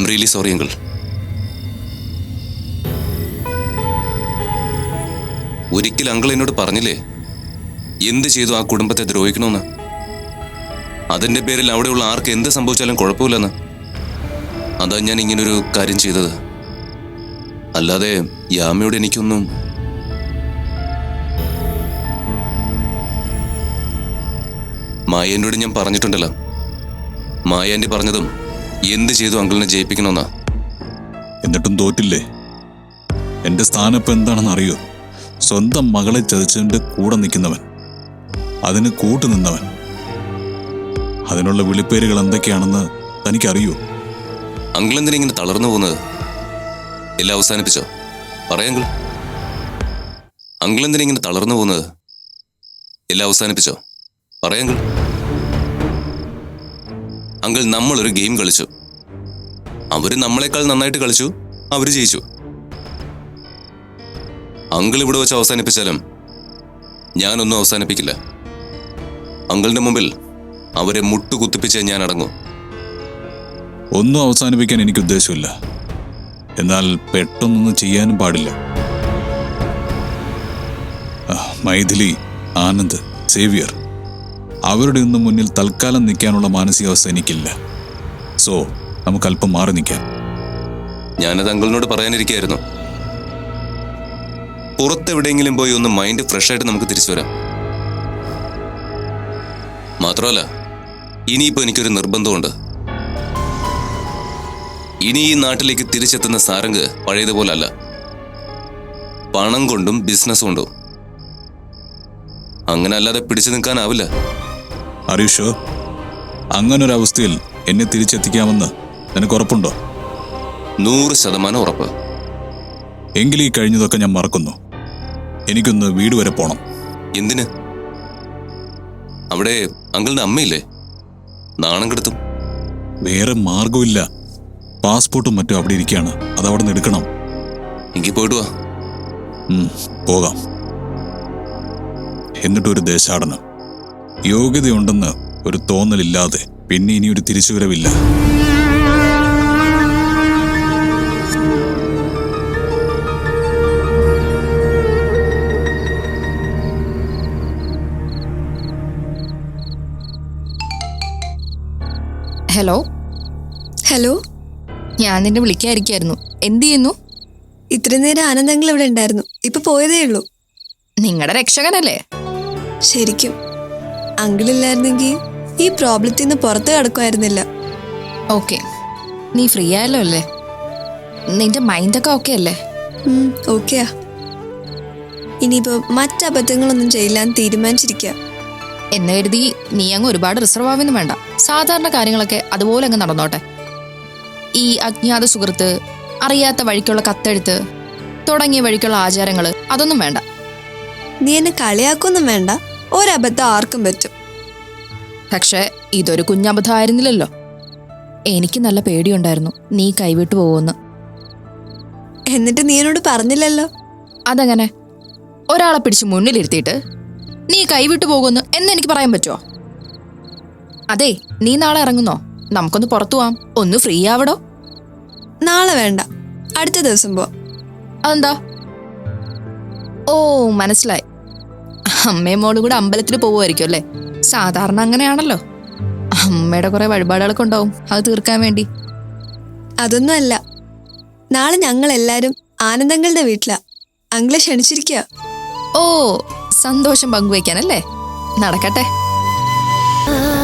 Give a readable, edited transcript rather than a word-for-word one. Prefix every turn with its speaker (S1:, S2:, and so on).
S1: Really sorry uncle. ഒരിക്കൽ uncle എന്നോട് പറഞ്ഞില്ലേ എന്ത് ചെയ്തു ആ കുടുംബത്തെ ദ്രോഹിക്കണമെന്ന്. അതിന്റെ പേരിൽ അവിടെയുള്ള ആർക്ക് എന്ത് സംഭവിച്ചാലും കുഴപ്പമില്ലെന്ന്. അതാ ഞാൻ ഇങ്ങനൊരു കാര്യം ചെയ്തത്. അല്ലാതെ യാമയോട് എനിക്കൊന്നും. മായേൻ്റെയോട് ഞാൻ പറഞ്ഞിട്ടുണ്ടല്ലോ. മായാൻ്റെ പറഞ്ഞതും എന്ത് ചെയ്തു അങ്കിളിനെ ജയിപ്പിക്കണമെന്നാ.
S2: എന്നിട്ടും തോറ്റില്ലേ? എന്റെ സ്ഥാനം ഇപ്പം എന്താണെന്ന് അറിയോ? സ്വന്തം മകളെ ചതിച്ചതിന്റെ കൂടെ നിൽക്കുന്നവൻ, അതിന് കൂട്ടുനിന്നവൻ. അതിനുള്ള വിളിപ്പേരുകൾ എന്തൊക്കെയാണെന്ന് തനിക്കറിയോ?
S1: അങ്കിൾ എന്തിനാ ഇങ്ങനെ തളർന്നു പോകുന്നത്? എല്ലാം അവസാനിപ്പിച്ചോ? പറയാങ്കിൾ. അങ്കിൾ എന്തിനാ ഇങ്ങനെ തളർന്നു പോകുന്നത്? എല്ലാം അവസാനിപ്പിച്ചോ? പറയാങ്കിൾ. അങ്കിൾ, നമ്മളൊരു ഗെയിം കളിച്ചു. അവര് നമ്മളെക്കാൾ നന്നായിട്ട് കളിച്ചു, അവര് ജയിച്ചു. അങ്കിൾ ഇവിടെ വെച്ച് അവസാനിപ്പിച്ചാലും ഞാനൊന്നും അവസാനിപ്പിക്കില്ല. അങ്കിളിന്റെ മുമ്പിൽ അവരെ മുട്ടുകുത്തിപ്പിച്ച് ഞാൻ അടങ്ങും.
S2: ഒന്നും അവസാനിപ്പിക്കാൻ എനിക്ക് ഉദ്ദേശമില്ല. എന്നാൽ പെട്ടെന്നൊന്നും ചെയ്യാനും പാടില്ല. മൈഥിലി, ആനന്ദ്, സേവിയർ, അവരുടെ ഒന്നും മുന്നിൽ തൽക്കാലം നിൽക്കാനുള്ള മാനസികാവസ്ഥ എനിക്കില്ല. സോ നമുക്ക് അല്പം മാറി നിൽക്കാം.
S1: ഞാനത് അങ്കിളിനോട് പറയാനിരിക്കുകയായിരുന്നു. പുറത്തെവിടെയെങ്കിലും പോയി ഒന്ന് മൈൻഡ് ഫ്രഷ് ആയിട്ട് നമുക്ക് തിരിച്ചു വരാം. മാത്രമല്ല, ഇനിയിപ്പോ എനിക്കൊരു നിർബന്ധമുണ്ട്. ഇനി ഈ നാട്ടിലേക്ക് തിരിച്ചെത്തുന്ന സാരംഗ് പഴയതുപോലല്ല. പണം കൊണ്ടും ബിസിനസ് കൊണ്ടും. അങ്ങനെ അല്ലാതെ പിടിച്ചു നിൽക്കാനാവില്ല.
S2: അറിയുഷോ, അങ്ങനൊരവസ്ഥയിൽ എന്നെ തിരിച്ചെത്തിക്കാമെന്ന് നിനക്ക് ഉറപ്പുണ്ടോ?
S1: 100% ഉറപ്പ്.
S2: എങ്കിൽ ഈ കഴിഞ്ഞതൊക്കെ ഞാൻ മറക്കുന്നു. എനിക്കൊന്ന് വീട് വരെ പോണം.
S1: എന്തിന്? അവിടെ അങ്കിളിന്റെ അമ്മയില്ലേ? നാണം കെടുത്തും.
S2: വേറെ മാർഗമില്ല. പാസ്പോർട്ടും മറ്റും അവിടെ ഇരിക്കുകയാണ്. അതവിടെ നിന്ന് എടുക്കണം.
S1: എങ്കിൽ പോയിട്ട് വാ.
S2: പോകാം. എന്നിട്ടൊരു ദേശാടനം. യോഗ്യതയുണ്ടെന്ന് ഒരു തോന്നലില്ലാതെ പിന്നെ ഇനിയൊരു തിരിച്ചുവരവില്ല.
S3: ഹലോ.
S4: ഹലോ,
S3: ഞാൻ നിന്നെ വിളിക്കാതിരിക്കായിരുന്നു. എന്ത് ചെയ്യുന്നു?
S4: ഇത്രയും നേരം ആനന്ദങ്ങൾ ഇവിടെ ഉണ്ടായിരുന്നു. ഇപ്പൊ പോയതേ ഉള്ളൂ.
S3: നിങ്ങളുടെ രക്ഷകനല്ലേ?
S4: ശരിക്കും അങ്കിളില്ലായിരുന്നെങ്കിൽ ഈ പ്രോബ്ലത്തിൽ നിന്ന് പുറത്ത് കിടക്കുമായിരുന്നില്ല.
S3: ഓക്കെ, നീ ഫ്രീ ആയല്ലോ അല്ലേ? നിന്റെ മൈൻഡൊക്കെ ഓക്കെ അല്ലേ?
S4: ഓക്കെയാ. ഇനിയിപ്പോ മറ്റബദ്ധങ്ങളൊന്നും ചെയ്യില്ലാന്ന് തീരുമാനിച്ചിരിക്കുക.
S3: എന്ന് കരുതി നീ അങ്ങ് ഒരുപാട് റിസർവ് ആവുന്നു വേണ്ട. സാധാരണ കാര്യങ്ങളൊക്കെ അതുപോലെ അങ്ങ് നടന്നോട്ടെ. ഈ അജ്ഞാത സുഹൃത്ത്, അറിയാത്ത വഴിക്കുള്ള കത്തെഴുത്ത് തുടങ്ങിയ വഴിക്കുള്ള ആചാരങ്ങള് അതൊന്നും വേണ്ട.
S4: നീ എന്നെ കളിയാക്കൊന്നും വേണ്ട. ഒരബദ്ധം ആർക്കും പറ്റും.
S3: പക്ഷെ ഇതൊരു കുഞ്ഞബദ്ധം ആയിരുന്നില്ലല്ലോ. എനിക്ക് നല്ല പേടിയുണ്ടായിരുന്നു നീ കൈവിട്ടു പോവുമെന്ന്.
S4: എന്നിട്ട് നീ എന്നോട് പറഞ്ഞില്ലല്ലോ.
S3: അതെങ്ങനെ? ഒരാളെ പിടിച്ച് മുന്നിലിരുത്തിയിട്ട് നീ കൈവിട്ടു പോകുമെന്ന് എന്നെനിക്ക് പറയാൻ പറ്റുമോ? അതെ, നീ നാളെ ഇറങ്ങുന്നോ? നമുക്കൊന്ന് പുറത്തു പോവാം. ഒന്ന് ഫ്രീ ആവടോ.
S4: നാളെ വേണ്ട, അടുത്ത ദിവസം പോവാം.
S3: അതെന്താ? ഓ, മനസ്സിലായി. അമ്മയും മോളും കൂടെ അമ്പലത്തിൽ പോവുമായിരിക്കും അല്ലേ? സാധാരണ അങ്ങനെയാണല്ലോ. അമ്മയുടെ കുറെ വഴിപാടുകളൊക്കെ ഉണ്ടാവും അത് തീർക്കാൻ വേണ്ടി.
S4: അതൊന്നും അല്ല. നാളെ ഞങ്ങൾ എല്ലാരും ആനന്ദങ്ങളുടെ വീട്ടിലാ. അങ്കിളെ ക്ഷണിച്ചിരിക്കുക.
S3: ഓ, സന്തോഷം പങ്കുവയ്ക്കാനല്ലേ? നടക്കട്ടെ.